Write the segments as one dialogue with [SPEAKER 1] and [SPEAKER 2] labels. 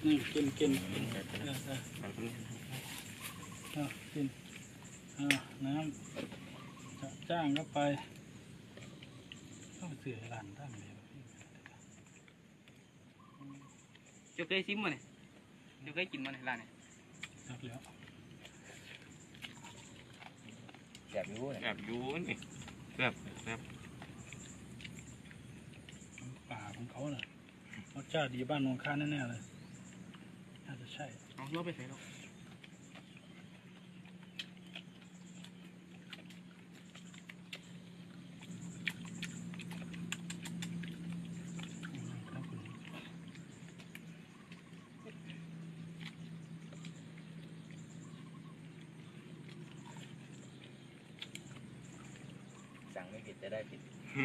[SPEAKER 1] กินกินกินน้ำจ้างก็ไปต้องเสือหลานตั้งเลย
[SPEAKER 2] จะเคยซิมมาเนี่ยจะเคยกินมาในร้านเนี่ย
[SPEAKER 1] ครับแล้ว
[SPEAKER 3] แสบยูเนี่ย
[SPEAKER 4] แอบยูนี่แซ่บ
[SPEAKER 1] ป่าของเขาน่ะรสชาติดีบ้านนงค้าแน่ๆเลยน่าจะใช่
[SPEAKER 2] เอาเลือไปใส่แล้ว
[SPEAKER 3] สั่งไม่ผิดจะได้ผิด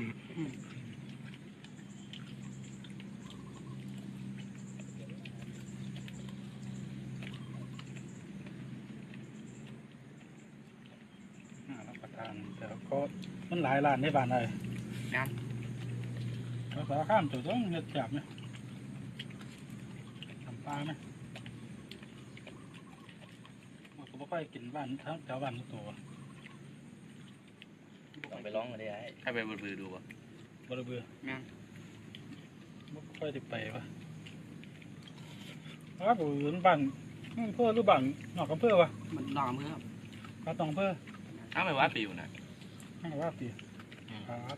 [SPEAKER 1] รับประทานแต่ก็มันหลายร้านในบ้านเลย
[SPEAKER 2] นะ
[SPEAKER 1] เราสารข้ามจุดต้องเลือดจับไหมทำปลาไหมผมก็ค่อยกินบ้านทั้งแถวบ้านทุกตัว
[SPEAKER 3] ลองไปร้องมาได้
[SPEAKER 4] ให้ไปบนมือดูป่ะ
[SPEAKER 1] บริเวณ
[SPEAKER 2] นะ
[SPEAKER 1] ไม่ค่อยได้ไปวะครับผมบ้านเพื่อหรือบ้านนอกอำเภอวะ
[SPEAKER 2] มันนอกอำเภอครับ
[SPEAKER 1] บ้านตองอำเภอ
[SPEAKER 4] ถ้าไม่ว่าปิวนะ
[SPEAKER 1] ไม่ว่าปีครับ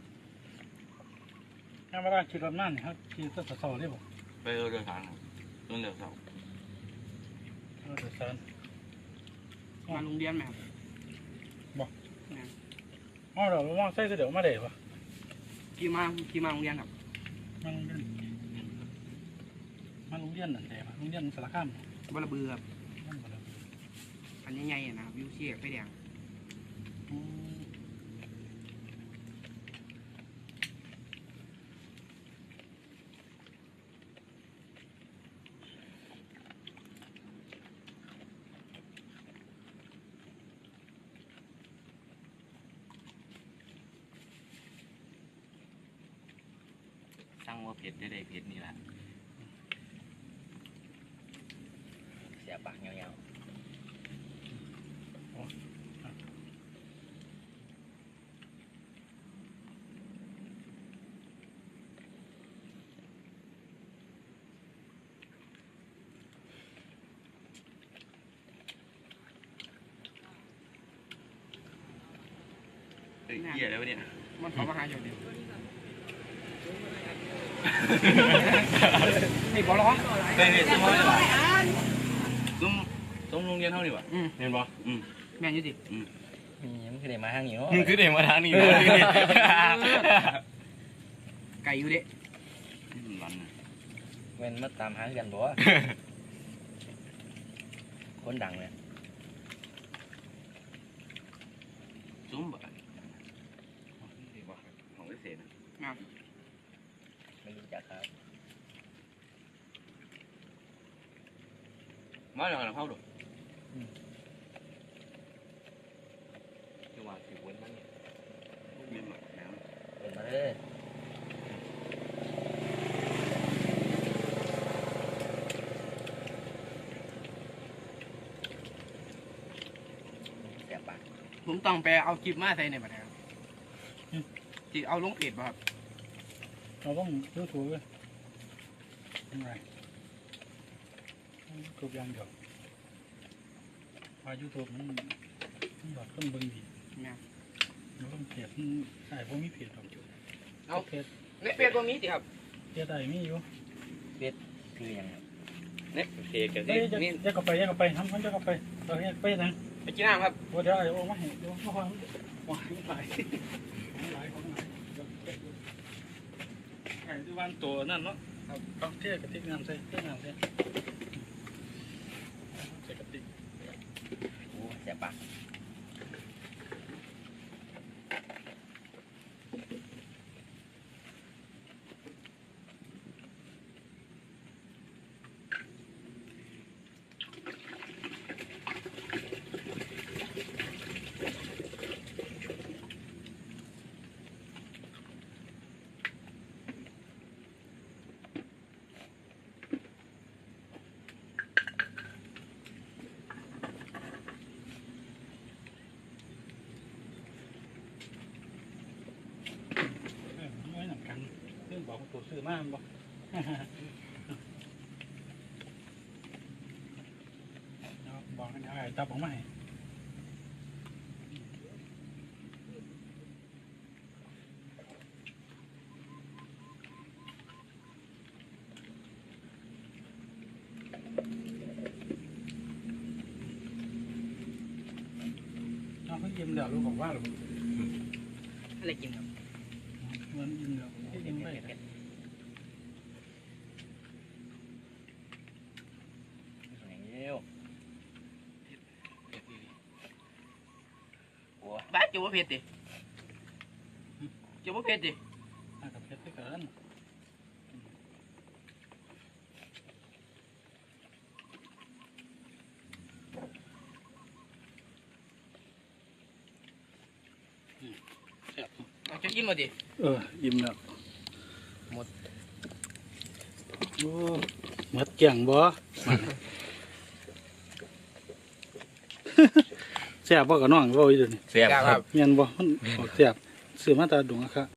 [SPEAKER 1] ถ้ามาได้ขี่รถนั่นครับขี่รถสาวได้ป่ะ
[SPEAKER 4] ไปเดินทางเดินเสา
[SPEAKER 1] เดินสาน
[SPEAKER 2] มาโรงเรียนไหมครับ
[SPEAKER 1] บอกอ๋อเดี๋ยวมองใส่เดี๋ยวมาเดี๋ยว
[SPEAKER 2] ขี่มาโรงเรียนครับ
[SPEAKER 1] มาโรงเรียนนั่นเดี๋ยวโรงเรียนสารคาม
[SPEAKER 2] บลบือครับอันใหญ่ๆนะครับวิวเชียร์ไฟแดง
[SPEAKER 4] สั่งว่าเผ็ดได้เผ็ดนี่แหละ
[SPEAKER 3] เสียปากเงี้ยว
[SPEAKER 4] เหี้ยแล้วเนี่ย
[SPEAKER 2] มันเขามาหาอยู่เดียวนี่บอลล้อ
[SPEAKER 4] เฮ้ยซุ้มเขาดีกว่าซุ้มโรงเรียนเท่าดีกว่าเห็นปะ
[SPEAKER 2] แม่นอยู่ดิ
[SPEAKER 3] มันคือเด็กมาทางนี้
[SPEAKER 4] มึงคือเด็กมาทางนี้เลย
[SPEAKER 2] ไก่อยู่เด็
[SPEAKER 3] เว้นมาตามหากันบ่คนดังเลย
[SPEAKER 4] ซุ้มแบบของวิเศษนะ
[SPEAKER 3] ไม่รู้จักครับ
[SPEAKER 4] มาอย่างไรเข้าดูจังหวะถือวนมาเนี่ยมีหมักน้
[SPEAKER 3] ำวนมาเลยเสียปาก
[SPEAKER 2] ผมต้องไปเอาคลิปมาใส่ในบัตรครับจีเอาลงเพจป่ะครับ
[SPEAKER 1] เราต้องยูทูบเลยยังไงทูบยังเดียวมายูทูบมันแบบต้องเบิ่งดีเราต้องเพจใช่พวกมีเพจของจุด
[SPEAKER 2] เอาเพจในเพจตรงนี้สิครับ
[SPEAKER 1] เพจใดมีอยู่
[SPEAKER 3] เพจคือยังไง
[SPEAKER 4] เนี่ยเพจกัน
[SPEAKER 1] นี่แยกกันไปทำกันแยกกันไปเราแยกไปนะ
[SPEAKER 2] ไปกินน้ำครับ
[SPEAKER 1] ว่าเดี๋ยวไอ้โอ้มาเห็นโอ้มาฟังว้ายหลายไอ้ที่วันตัวนั่นเนาะต้องเที่ยวกระติกน้ำใส่เที่ยวน้ำใส่กระติก
[SPEAKER 3] โอ้เสียปาก
[SPEAKER 1] ซื้อมาบ่ บอกกันเอาไอ้จับออกมาให้เอาเขายิ้มแล้วลูกบอกว่าหรอ
[SPEAKER 2] อะไรกินครับ
[SPEAKER 1] มันยิ้มแล้วยิ้มไป
[SPEAKER 3] อย่างนี้วโอ้
[SPEAKER 2] บ้าจูบเผ็ดดิจูบเผ็ดดิ
[SPEAKER 1] อากับเพชรด้วยกันแซ่บ
[SPEAKER 2] เอาจะกินมาดิ
[SPEAKER 1] ยิ้มแล้ว
[SPEAKER 2] หมด
[SPEAKER 1] โอ้หมดเกี่ยงบ่ แซ่บบ่กับน้องบ่อีเดี๋ยวนี้
[SPEAKER 3] เสียบครับ
[SPEAKER 1] เมียนบ่มันออกแซ่บซื้อมาตาดุงอะครับ